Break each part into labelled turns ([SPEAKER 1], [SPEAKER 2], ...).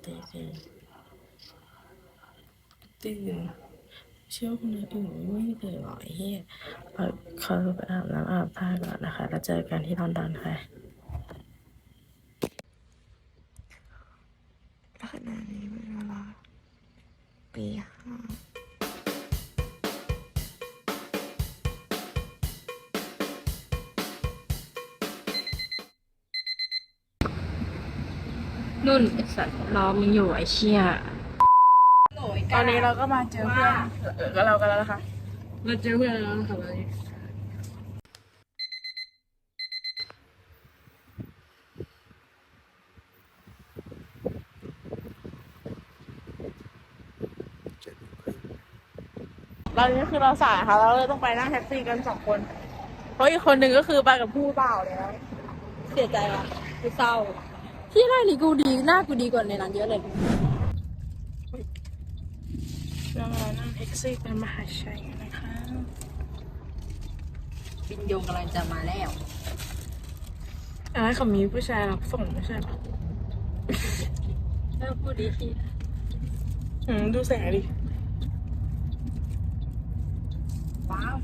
[SPEAKER 1] ตื่นเชื่อคนอื่นไม่ตื่นหรอไอ้เหี้ยเขาไปอาบน้ำอาบท่าก่อนนะคะแล้วเจอกันที่ลอนดอนค่ะขณะนี้เป็นเวลาตีห้านุ่นไอสัตว์รอมึงอยู่ไอเชี่ยตอนนี้เราก็มาเจอเพื่อนกับเรากันแล้วนะคะเราเจอเพื่อนแล้วนะคะตอนนี้ตอนนี้คือเราสายค่ะเราเลยต้องไปนั่งแท็กซี่กัน2 คนเพราะอีกคนหนึ่งก็คือไปกับผู้เปล่าแล้วเสียใจว่ะกูเศร้าที่ไรนี่กูดีหน้ากูดีกว่าในนั้นเยอะเลยเรานั่งแท็กซี่ไปมหาชัยนะคะ
[SPEAKER 2] บินโยกำลังจะมาแล้ว
[SPEAKER 1] เขามีผู้ชายรับส่งไม่ใช่หรอ
[SPEAKER 2] ถ้าพูดดีที
[SPEAKER 1] ดูแสงดิ
[SPEAKER 2] ว้าว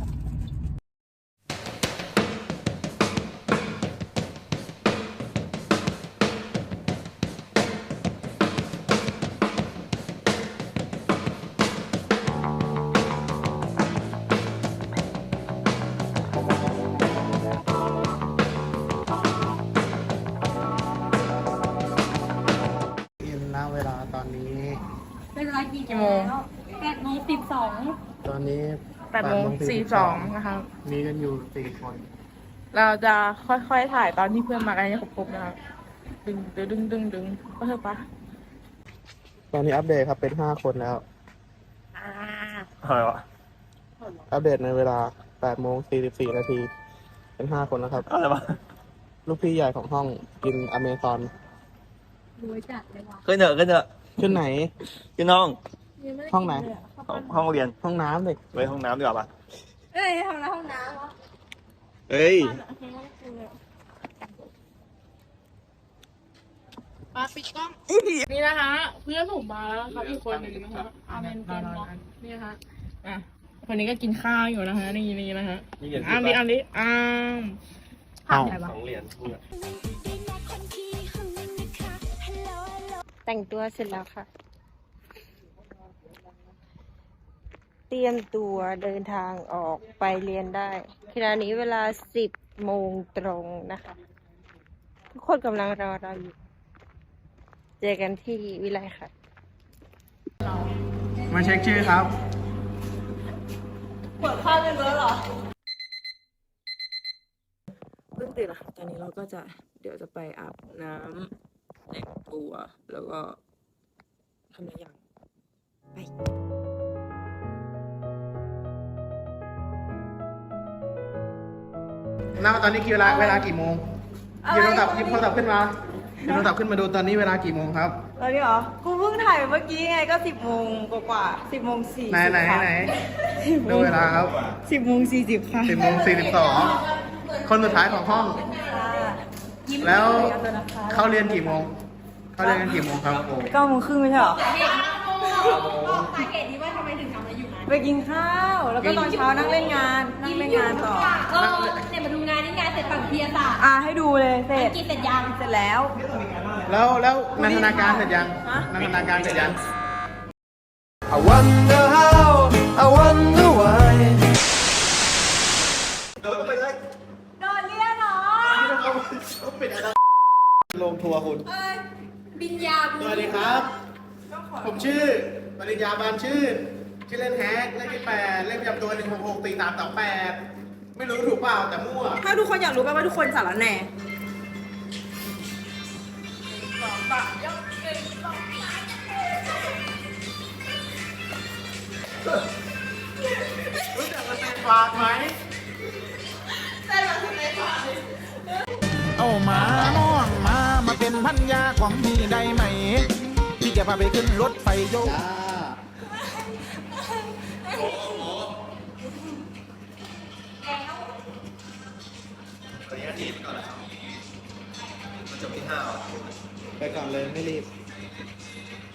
[SPEAKER 3] เวลาตอนนี้
[SPEAKER 2] เป็นเวลากี่โมง8:12
[SPEAKER 3] ตอนนี้
[SPEAKER 1] 8:42นะคะ
[SPEAKER 3] มีกันอยู่4 คน
[SPEAKER 1] เราจะค่อยๆถ่ายตอนที่เพื่อนมากันให้ครบๆนะคะดึงก็เถอะปะ
[SPEAKER 3] ตอนนี้อัปเดตครับเป็น5 คนแล้ว
[SPEAKER 4] อะไรวะ
[SPEAKER 3] อัปเดตในเวลา8:44 นาทีเป็น5 คนแล้วครับ
[SPEAKER 4] อะไรวะ
[SPEAKER 3] ลูกพี่ใหญ่ของห้องกินอเมซอน
[SPEAKER 2] รวยจัดเลยว่ะ
[SPEAKER 4] ขึ้นเถอะ
[SPEAKER 3] ขึ้นไหน
[SPEAKER 4] ขึ้นห้อง
[SPEAKER 3] ห้องไหน
[SPEAKER 4] ห้องเรียน
[SPEAKER 3] ห้องน้ำเลย
[SPEAKER 4] ไว้ห้องน้ำดีกว่าปะ
[SPEAKER 2] ทำแล้วห้องน้ำวะ
[SPEAKER 4] เอ้ย
[SPEAKER 1] มาปิดกล้องนี่นะคะเพื่อนผมมาแล้วครับอีกคนหนึ่งนะคะอาเมนเป็นเนาะนี่นะคะคนนี้ก็กินข้าวอยู่นะคะนี่นะคะอันนี้
[SPEAKER 4] 2 เหรียญ
[SPEAKER 2] แต่งตัวเสร็จแล้วค่ะเตรียมตัวเดินทางออกไปเรียนได้ขณะนี้เวลา10 โมงตรงนะคะทุกคนกำลังรอเราอยู่เจอกันที่วิไลค่ะ
[SPEAKER 3] มาเช็คชื่อครับ
[SPEAKER 1] เปิดข้าวเป็นเบอร์หรอเพิ่งตื่นนะคะตอนนี้เราก็เดี๋ยวจะไปอาบน้ำแต่งตัวแล้วก็ทำอะไรอย่างไป
[SPEAKER 3] น้าตอนนี้เวลากี่โมงหยิบโทรศัพท์ขึ้นมาดูตอนนี้เวลากี่โมงครับ
[SPEAKER 1] ตอนนี้เหรอกูเพิ่งถ่ายเมื่อกี้ไงก็10 โมงกว่า10:40
[SPEAKER 3] ไหนดูเวลาครับ
[SPEAKER 1] 10:40ค่ะ
[SPEAKER 3] 10:42คนสุดท้ายของห้องแล้วเขาเรียนกี่โมงกันกี่โมงครับ
[SPEAKER 1] 9:30ไม่ใช่เหรอสาเหตุนี้ว่าทำไมถึงทำอะไรอยู่ไปกินข้าวแล้วก็ตอนเช้านั่งเล่นงานต่อ
[SPEAKER 2] เนี่ยมาดูงานนี่งานเสร็จฝั่งเพียร์ค่ะ
[SPEAKER 1] ให้ดูเลยเสร็จ
[SPEAKER 2] กินเสร็จยัง
[SPEAKER 1] เสร็จแล้ว
[SPEAKER 3] นันทนาการเสร็จยัง
[SPEAKER 4] I wonder how I wonder why
[SPEAKER 1] โดนเรียกเหรอ
[SPEAKER 3] ลงทัวร์คุณ
[SPEAKER 2] บินยา
[SPEAKER 3] สวัสดีครับผมชื่อปริญญาบานชื่อเล่นแฮกเลขที่8เลขประจำตัว1664328ไม่รู้ถูกเปล่าแต่มั่ว
[SPEAKER 1] ถ้าทุกคนอยากรู้ว่าทุกคนสารแหน่
[SPEAKER 3] รู้จักมันเป็นฝากไหม
[SPEAKER 5] เอามาน้องมาเป็นพันยาของพี่ได้ไหมพี่จะพาไปขึ้นรถไฟโยก
[SPEAKER 3] ไปก่อนเลยไม่รีบ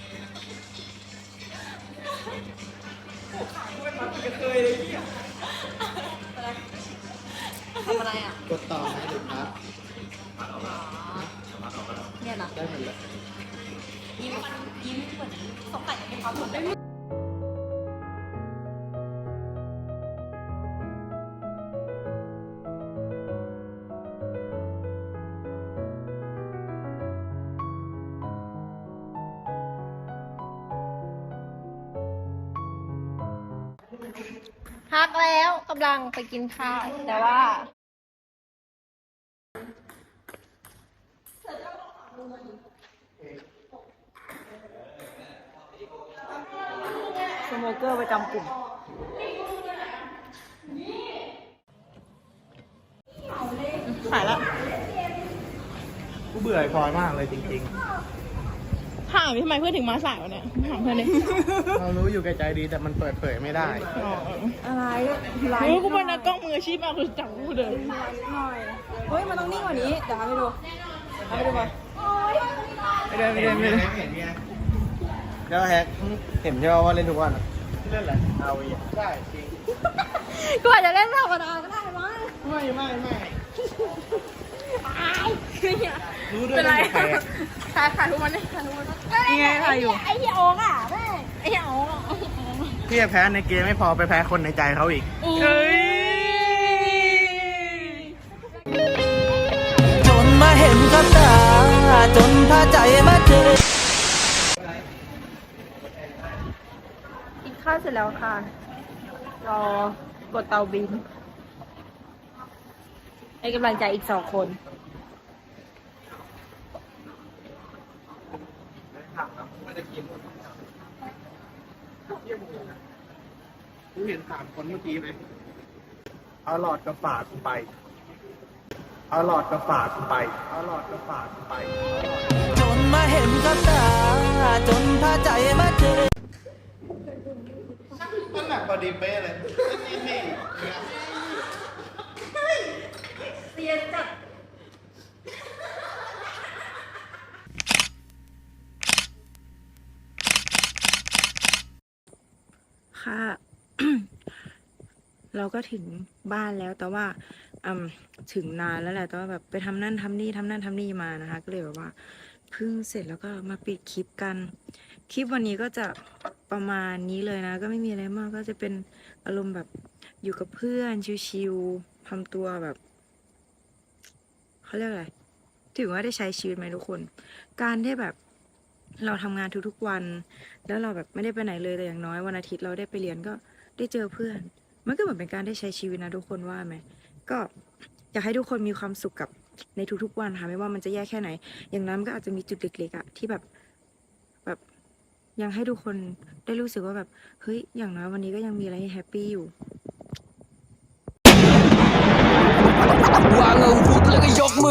[SPEAKER 1] ทำอะไรอ่ะ
[SPEAKER 3] กดต่อไหมหรือครับ
[SPEAKER 1] เนี่ยนะ
[SPEAKER 3] ได้หมดเลย
[SPEAKER 1] ยิ้มเหมือนสงสัยจะมีความสุขได้
[SPEAKER 2] พักแล้วกำลังไปกินข้าว แต่ว่า สโมเกอร์ประจำกลุ่ม
[SPEAKER 1] ขายละ
[SPEAKER 3] กูเบื่อไอ้พลอยมากเลยจริง
[SPEAKER 1] ถามทำไมเพื่อนถึงมาสายวะเนี่ยถามเพื่อนดิ
[SPEAKER 3] ๆ เรารู้อยู่แก่ใจดีแต่มันเปิดเผยไม่ได้
[SPEAKER 2] อะไร
[SPEAKER 1] เฮ้ยกูเป็นนักกล้องมืออาชีพมากคือจังกูเลย
[SPEAKER 2] เฮ้ย มันต้องนิ่งกว่านี้ เดี๋ยวทำให้ดูทำให้ดูก่อน
[SPEAKER 3] ไม่ได้เห็นไงแล้วแฮกเห็นใช่ป่ะว่าเล่นทุกวันอะเล่นอะไรเอาอีกได้จริง
[SPEAKER 2] กูอาจจะเล่นธรรมดาก็ได้มั้ง
[SPEAKER 3] ไม่รู้ด้วย
[SPEAKER 1] เป็นไร
[SPEAKER 3] ว่าใครอะ
[SPEAKER 1] ถ่ายทุกวันเลยถ่ายทุกวันนี่ไงถ่ายอยู่ไอ้เหี้ยโอ๊กอ่ะแม่ไอ้เหี้ยโอ๊กอ่ะ
[SPEAKER 3] พี่จะแพ้ในเกมไม่พอไปแพ้คนในใจเขาอีก
[SPEAKER 1] เฮ้ย
[SPEAKER 6] จนมาเห็นกับตา จนพาใจมาเจอ
[SPEAKER 2] กินข้าวเสร็จแล้วค่ะ รอกดเตาบิน ให้กำลังใจอีก2 คน
[SPEAKER 3] กูเห็น3 คนเมื่อกี้ไหมเอาหลอดกระฝาดไป เอาหลอดกระฝาดไป เอาหลอดกระฝาดไป
[SPEAKER 6] จนมาเห็นกับตา จนพาใจมาเจอ
[SPEAKER 3] มันหนักพอดีเป๊ะเลยนี่
[SPEAKER 2] ค่ะ เราก็ถึงบ้านแล้วแต่ว่าถึงนานแล้วแหละแต่ว่าแบบไปทำนั่นทำนี่มานะคะ ก็เลยแบบว่าเพิ่งเสร็จแล้วก็มาปิดคลิปกัน คลิปวันนี้ก็จะประมาณนี้เลยนะ ก็ไม่มีอะไรมากก็จะเป็นอารมณ์แบบอยู่กับเพื่อนชิลๆทำตัวแบบเขาเรียกอะไรถือว่าได้ใช้ชีวิตไหมทุกคน การที่แบบเราทำงานทุกๆวัน แล้วเราแบบไม่ได้ไปไหนเลยแต่อย่างน้อยวันอาทิตย์เราได้ไปเรียนก็ได้เจอเพื่อน มันก็เหมือนเป็นการได้ใช้ชีวิตนะทุกคนว่าไหมก็อยากให้ทุกคนมีความสุขกับในทุกๆวันค่ะไม่ว่ามันจะแย่แค่ไหน อย่างนั้นมันก็อาจจะมีจุดเล็กๆอะที่แบบยังให้ทุกคนได้รู้สึกว่าแบบเฮ้ยอย่างน้อยวันนี้ก็ยังมีอะไรให้แฮปปี้อยู่
[SPEAKER 6] วางอาวุธแล้วก็ยกมือ